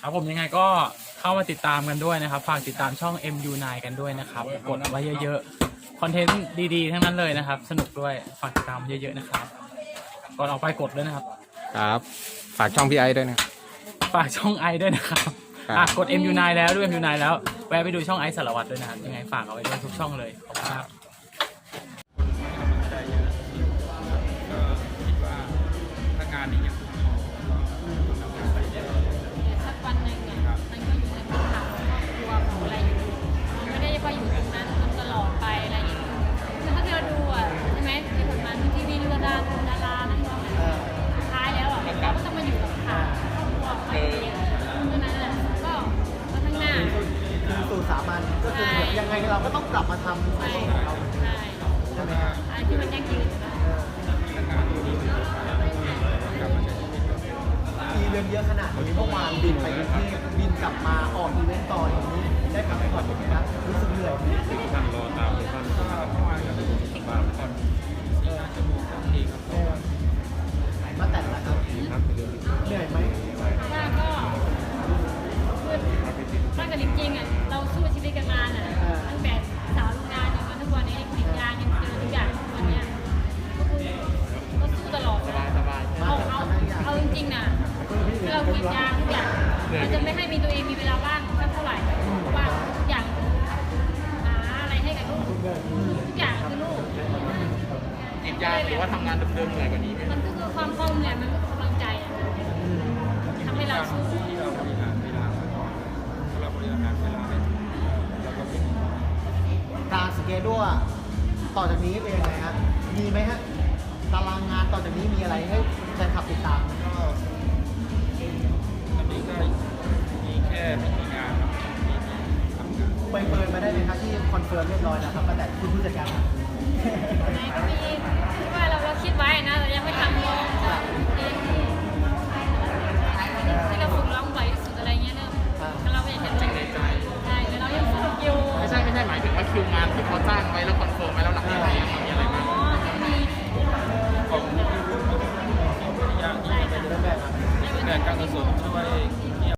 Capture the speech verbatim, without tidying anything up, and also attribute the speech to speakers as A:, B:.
A: ครับผมยังไงก็เข้ามาติดตามกันด้วยนะครับฝากติดตามช่อง เอ็ม ยู ไนน์ กันด้วยนะครับกดไว้เยอะๆคอนเทนต์ดีๆทั้งนั้นเลยนะครับสนุกด้วยฝากติดตามเยอะๆนะครับก่อนออกไปกดด้วยนะครับ
B: ครับฝากช่องพี่ไอ้ด้วยนะ
A: ฝากช่องไอด้วยนะครับ
B: ครับ
A: อ่ะกด เอ็ม ยู ไนน์ แล้วด้วย เอ็ม ยู ไนน์ แล้วแวะไปดูช่องไอสารวัตรด้วยนะครับยังไงฝากเอาไว้ด้วยทุกช่องเลยขอบคุณครับ
C: ถ้างานนี้ยัง
D: สักวันหนึ่งเนี่ยมันก็อยู่ในพื้นฐานของครอบครัวของอะไรอยู่มันไม่ได้ว่าอยู่ตรงนั้นตลอดไปอะไรอย่างเงี้ยคือถ้าเราดูอ่ะใช่ไหมที่ผ่านมาทีวีดูดาราดารานักร้องสุดท้ายแล้วอ่ะเราก็ต้องมาอยู่กับข่าวครอบครัวของตัวเองเพราะฉะนั้นอ่ะก็ก็ข้างหน้า
E: คือสู่สามัญก็คือแบบยังไงเราก็ต้องกลับมาทำ
D: ใช่
E: ของเรา
D: ใช่
E: ใช่ไหมฮะ
D: อะไรที่มันยั่งยืนนะ
E: อีเวนต์เยอะขนาดนี้เมื่อวานบินไปกรุงเทพบินกลับมาออกอีเวนต์ต่ออย่างนี้ได้กลับไปก่อนไหมครับรู้สึกเหนื่อยไหม
C: ท่านรอตามท่านก็เมื่อวานก็ได้สบายก่อนสี่ห้าชั่วโมงทันทีครับ
E: เออมาแต่ละครับ
C: ครับเรื่อง
E: เหนื่อยไหม
D: ว่าก็คือถ้าเกิดจริงๆอ่ะเราสู้ชีวิตกันมาน่ะตั้งแต่สาวโรงงานจนมาทุกวันนี้กรีดยางยังเจอทุกอย่างทุกวันเนี้ยก็คือก็สู้ตลอดนะเอาเอาเอาจริงๆน่ะถ้าเรากรีดยางทุกอย่างเราจะไม่ให้มีตัวเองมีเวลาว่างสักเท่าไหร่เพราะว่าทุกอย่างหาอะไรให้กับลูกทุกอย่างคือลูก
C: กินยาหรือว่าทำงานเดิมๆเหนื่อยกว่านี้ไหม
D: มันก็คือความคล่องเนี่ยมันก็คือกำลังใจอะทำให้เราสู้
C: ที่เราบริหารเวลาถ้าเราบริหารเวลาได้เราก็เป็น
E: การสเกจด้วยต่อจากนี้เป็นยังไงฮะมีไหมฮะตารางงานต่อจากนี้มีอะไรให้แฟนคลับติดตาม
C: ก็ตอนนี้ก็มีแค่ไม่มีงานครับมีทำงาน
E: ไปเปิดมาได้ไหมครับที่คอนเฟิร์มเรียบร้อยแล้วครับตั้งแต่คุณผู้จัดการ
D: ไหนก็